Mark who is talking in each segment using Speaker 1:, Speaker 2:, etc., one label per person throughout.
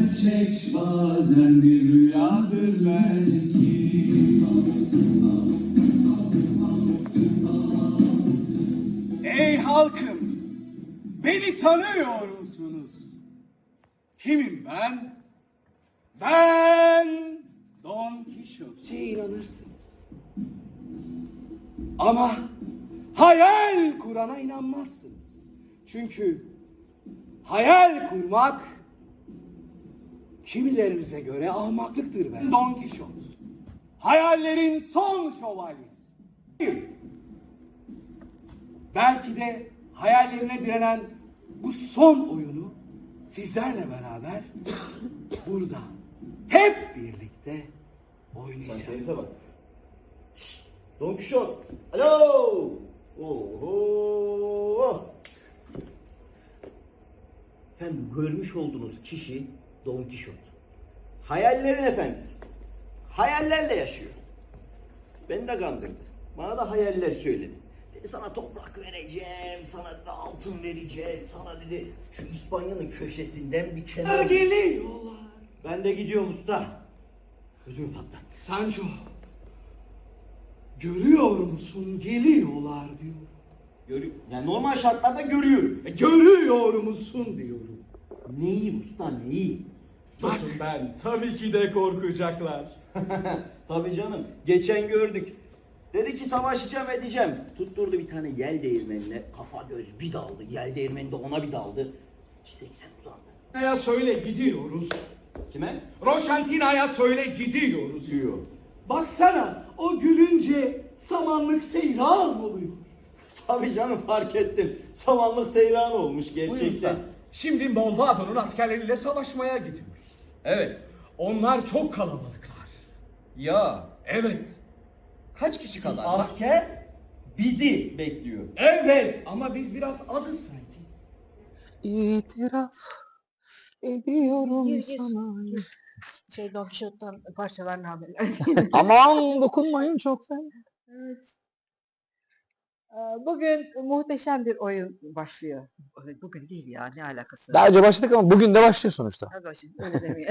Speaker 1: gerçek, bazen bir rüyadır belki. Ey halkım, beni tanıyor musunuz? Kimim ben? Ben Don Kişot. İnanırsınız. Ama hayal kurana inanmazsınız. Çünkü hayal kurmak kimilerinize göre ahmaklıktır ben. Don Kişot. Hayallerin son şövalyesi. Belki de hayallerine direnen bu son oyunu sizlerle beraber burada hep birlikte oynayacağız.
Speaker 2: Don Kişot. Alo. Oho. Efendim, görmüş olduğunuz kişi Don Kişot. Hayallerin efendisi. Hayallerle yaşıyor. Beni de kandırdı. Bana da hayaller söyledi. Dedi sana toprak vereceğim, sana altın vereceğim, sana dedi şu İspanya'nın köşesinden bir kenara
Speaker 1: Geliyorlar.
Speaker 2: Ben de gidiyorum usta. Ödümü patlattı.
Speaker 1: Sancho, görüyor musun, geliyorlar diyor.
Speaker 2: Yani normal şartlarda görüyorum.
Speaker 1: Görüyor musun diyorum.
Speaker 2: Neyi usta, neyi?
Speaker 1: Bak ben, tabii ki de korkacaklar.
Speaker 2: Tabii canım. Geçen gördük. Dedi ki savaşacağım edeceğim. Tutturdu bir tane yel değirmenine. Kafa göz bir daldı. Yel değirmeni de ona bir daldı. 80 uzandı.
Speaker 1: Ya söyle gidiyoruz.
Speaker 2: Kime?
Speaker 1: Roşantina'ya söyle gidiyoruz.
Speaker 2: Diyor.
Speaker 1: Baksana, o gülünce samanlık seyran oluyor.
Speaker 2: Tabii canım, fark ettim. Samanlık seyran olmuş gerçekten.
Speaker 1: Şimdi Molvado'nun askerleriyle savaşmaya gidiyoruz.
Speaker 2: Evet.
Speaker 1: Onlar çok kalabalıklar.
Speaker 2: Ya.
Speaker 1: Evet. Kaç kişi kadar?
Speaker 2: Asker bizi bekliyor.
Speaker 1: Evet, ama biz biraz azız sanki.
Speaker 3: İtiraf ediyorum
Speaker 4: Gir.
Speaker 3: sana.
Speaker 4: Don Quixote'dan parçalar haberler.
Speaker 3: Aman dokunmayın çok fena.
Speaker 4: Evet. Bugün muhteşem bir oyun başlıyor. Bugün değil ya, ne alakası
Speaker 3: Daha önce başladık ama bugün de başlıyor sonuçta.
Speaker 4: Hadi şimdi öyle demeyelim.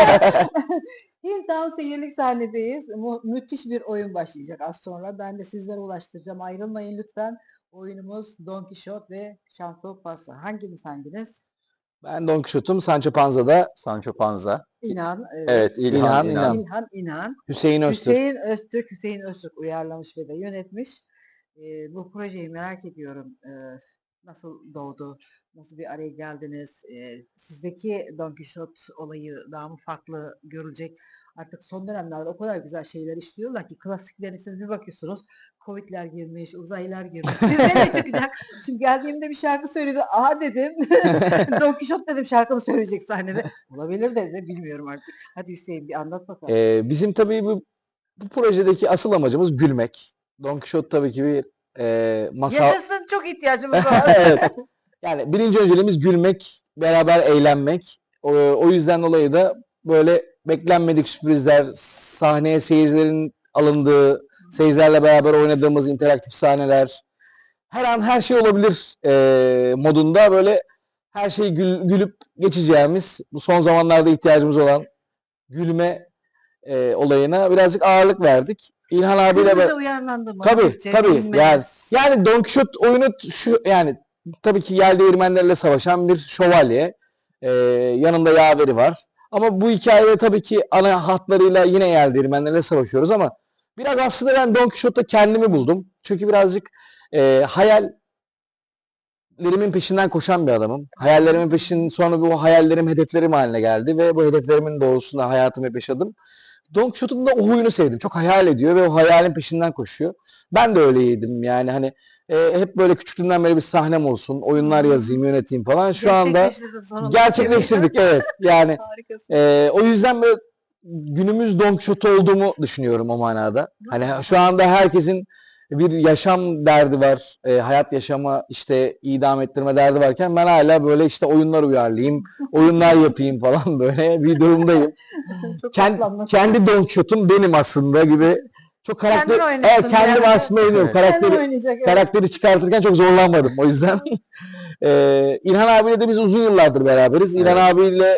Speaker 4: Hilltown seyirlik sahnedeyiz. Müthiş bir oyun başlayacak az sonra. Ben de sizlere ulaştıracağım. Ayrılmayın lütfen. Oyunumuz Don Quixote ve Şanso Pasa. Hanginiz?
Speaker 3: Ben Don Quixote'um, Sancho Panza da
Speaker 5: Sancho Panza.
Speaker 4: İnan.
Speaker 5: Evet, İlhan.
Speaker 4: İnan.
Speaker 3: Hüseyin Öztürk.
Speaker 4: Hüseyin Öztürk uyarlamış ve de yönetmiş. Bu projeyi merak ediyorum. Nasıl doğdu? Nasıl bir araya geldiniz? Sizdeki Don Quixote olayı daha mı farklı görülecek? Artık son dönemlerde o kadar güzel şeyler işliyorlar ki klasiklerin içine bir bakıyorsunuz. Covid'ler girmiş, uzaylılar girmiş. Sizde ne çıkacak? Şimdi geldiğimde bir şarkı söyledi. Aha dedim. Don Quixote dedim, şarkımı söyleyecek sahnede. Olabilir dedi. Bilmiyorum artık. Hadi Hüseyin bir anlat bakalım.
Speaker 3: Bizim tabii bu projedeki asıl amacımız gülmek. Don Quixote tabii ki bir masal.
Speaker 4: Yaşasın, çok ihtiyacımız var.
Speaker 3: Evet. Yani birinci önceliğimiz gülmek, beraber eğlenmek. O yüzden dolayı da böyle beklenmedik sürprizler, sahneye seyircilerin alındığı, seyircilerle beraber oynadığımız interaktif sahneler, her an her şey olabilir modunda böyle her şeyi gülüp geçeceğimiz, bu son zamanlarda ihtiyacımız olan gülme olayına birazcık ağırlık verdik. İlhan abiyle
Speaker 4: Siz de uyarlandı mı?
Speaker 3: tabii
Speaker 4: Türkçe
Speaker 3: tabii
Speaker 4: bilmez.
Speaker 3: yani Don Quixote oyunu şu, yani tabii ki yel değirmenlerle savaşan bir şövalye, yanında yaveri var. Ama bu hikayede tabii ki ana hatlarıyla yine yel değirmenlerle savaşıyoruz ama biraz aslında ben Don Quixote'da kendimi buldum. Çünkü birazcık hayallerimin peşinden koşan bir adamım. Hayallerimin sonra bu hayallerim hedeflerim haline geldi ve bu hedeflerimin doğrultusunda hayatımı yaşadım. Don Quixote'un da o huyunu sevdim. Çok hayal ediyor ve o hayalin peşinden koşuyor. Ben de öyleydim yani hani hep böyle küçüklüğümden beri bir sahnem olsun, oyunlar yazayım, yöneteyim falan. Şu anda
Speaker 4: Gerçekleştirdin sonunda.
Speaker 3: gerçekleştirdik, evet. Yani
Speaker 4: Harikasın.
Speaker 3: o yüzden böyle günümüz Don Quixote olduğumu düşünüyorum o manada. Hani şu anda herkesin bir yaşam derdi var, hayat yaşama işte idam ettirme derdi varken ben hala böyle işte oyunlar uyarlayayım, oyunlar yapayım falan böyle bir durumdayım.
Speaker 4: Çok
Speaker 3: Kendi Don Quixote'um benim aslında gibi. Çok
Speaker 4: Kendin
Speaker 3: karakter,
Speaker 4: oynuyorsun
Speaker 3: evet, kendim
Speaker 4: yani.
Speaker 3: aslında oynuyorum.
Speaker 5: Evet.
Speaker 4: Kendin oynayacak. Evet.
Speaker 3: Karakteri çıkartırken çok zorlanmadım o yüzden. İlhan abiyle de biz uzun yıllardır beraberiz. İlhan abiyle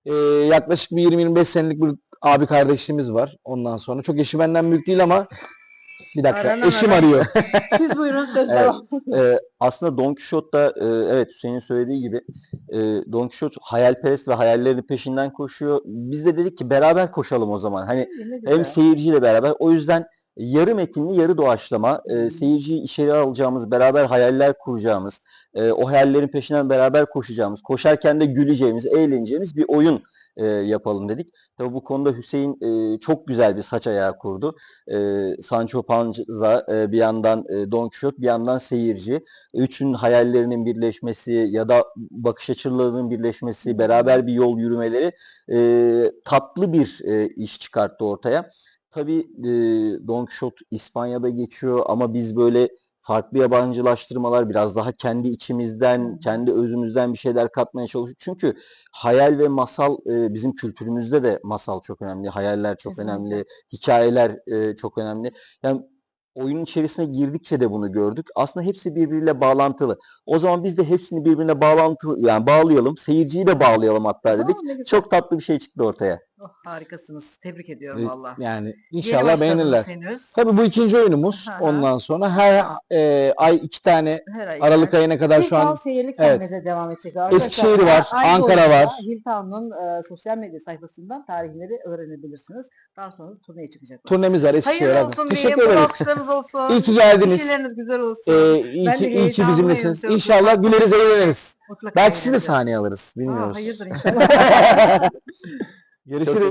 Speaker 3: Yaklaşık bir 20-25 senelik bir abi kardeşliğimiz var ondan sonra. Çok eşi benden büyük değil ama bir dakika
Speaker 4: Aranan
Speaker 3: eşim
Speaker 4: aran.
Speaker 3: arıyor.
Speaker 4: Siz buyurun söz
Speaker 5: Evet.
Speaker 4: devam.
Speaker 5: Aslında Don Quixote'da evet Hüseyin'in söylediği gibi Don Quixote hayalperest ve hayallerinin peşinden koşuyor. Biz de dedik ki beraber koşalım o zaman. Hani
Speaker 4: Ne
Speaker 5: hem
Speaker 4: güzel.
Speaker 5: seyirciyle beraber. O yüzden yarı metinli yarı doğaçlama seyirciyi içeri alacağımız, beraber hayaller kuracağımız, o hayallerin peşinden beraber koşacağımız, koşarken de güleceğimiz, eğleneceğimiz bir oyun yapalım dedik. Tabii bu konuda Hüseyin çok güzel bir saç ayağı kurdu. Sancho Panza bir yandan Don Quixote bir yandan seyirci. Üçün hayallerinin birleşmesi ya da bakış açılarının birleşmesi, beraber bir yol yürümeleri tatlı bir iş çıkarttı ortaya. Tabii Don Quixote İspanya'da geçiyor ama biz böyle farklı yabancılaştırmalar biraz daha kendi içimizden, kendi özümüzden bir şeyler katmaya çalışıyoruz. Çünkü hayal ve masal bizim kültürümüzde de masal çok önemli, hayaller çok
Speaker 4: Kesinlikle.
Speaker 5: önemli, hikayeler çok önemli. Yani oyunun içerisine girdikçe de bunu gördük. Aslında hepsi birbiriyle bağlantılı. O zaman biz de hepsini birbirine bağlayalım. Seyirciyi de bağlayalım hatta dedik.
Speaker 4: Ne güzel.
Speaker 5: Çok tatlı bir şey çıktı ortaya.
Speaker 4: Oh, harikasınız. Tebrik ediyorum valla.
Speaker 3: Yani
Speaker 4: Yeni
Speaker 3: inşallah
Speaker 4: başladınız
Speaker 3: beğenirler.
Speaker 4: henüz.
Speaker 3: Tabii bu ikinci oyunumuz.
Speaker 4: Hı hı.
Speaker 3: Ondan sonra her ay 2 tane
Speaker 4: Her ay
Speaker 3: Aralık
Speaker 4: yani.
Speaker 3: ayına kadar şu an
Speaker 4: Hilltown seyirlik
Speaker 3: evet.
Speaker 4: sahnede devam edecek arkadaşlar.
Speaker 3: Eskişehir var,
Speaker 4: Ay
Speaker 3: Ankara
Speaker 4: boyunca
Speaker 3: var.
Speaker 4: Hilltown'un sosyal medya sayfasından tarihleri öğrenebilirsiniz. Daha sonra turneye çıkacaklar.
Speaker 3: Turnemiz var Eskişehir
Speaker 4: Hayırlı
Speaker 3: abi.
Speaker 4: olsun
Speaker 3: Teşekkür
Speaker 4: diyeyim. Bol
Speaker 3: ederiz.
Speaker 4: alkışlarınız olsun.
Speaker 3: İyi ki geldiniz.
Speaker 4: İşleriniz güzel olsun.
Speaker 3: İyi
Speaker 4: Ben
Speaker 3: ki,
Speaker 4: de
Speaker 3: iyi ki
Speaker 4: heyecanlıyım,
Speaker 3: bizimlesiniz.
Speaker 4: çok
Speaker 3: İnşallah
Speaker 4: güzel.
Speaker 3: güleriz eğleniriz.
Speaker 4: Mutlaka
Speaker 3: Belki sizi de
Speaker 4: eğleneceğiz.
Speaker 3: sahneye alırız. Bilmiyoruz.
Speaker 4: Hayırdır inşallah.
Speaker 3: Görüşürüz.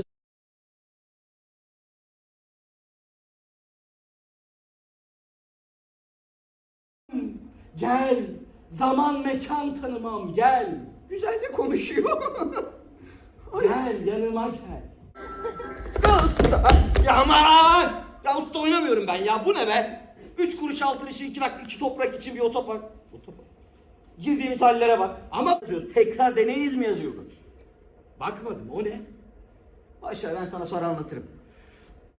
Speaker 1: Gel, zaman mekan tanımam, gel.
Speaker 2: Güzel de konuşuyor.
Speaker 1: Gel, yanıma gel.
Speaker 2: Usta! Ya aman! Ya usta oynamıyorum ben ya. Bu ne be? 3 kuruş altın işi, 2 toprak için bir otopark. Girdiğimiz hallere bak. Ama tekrar deneyiz mi yazıyordu?
Speaker 1: Bakmadım, o ne?
Speaker 2: Aşağı ben sana sonra anlatırım.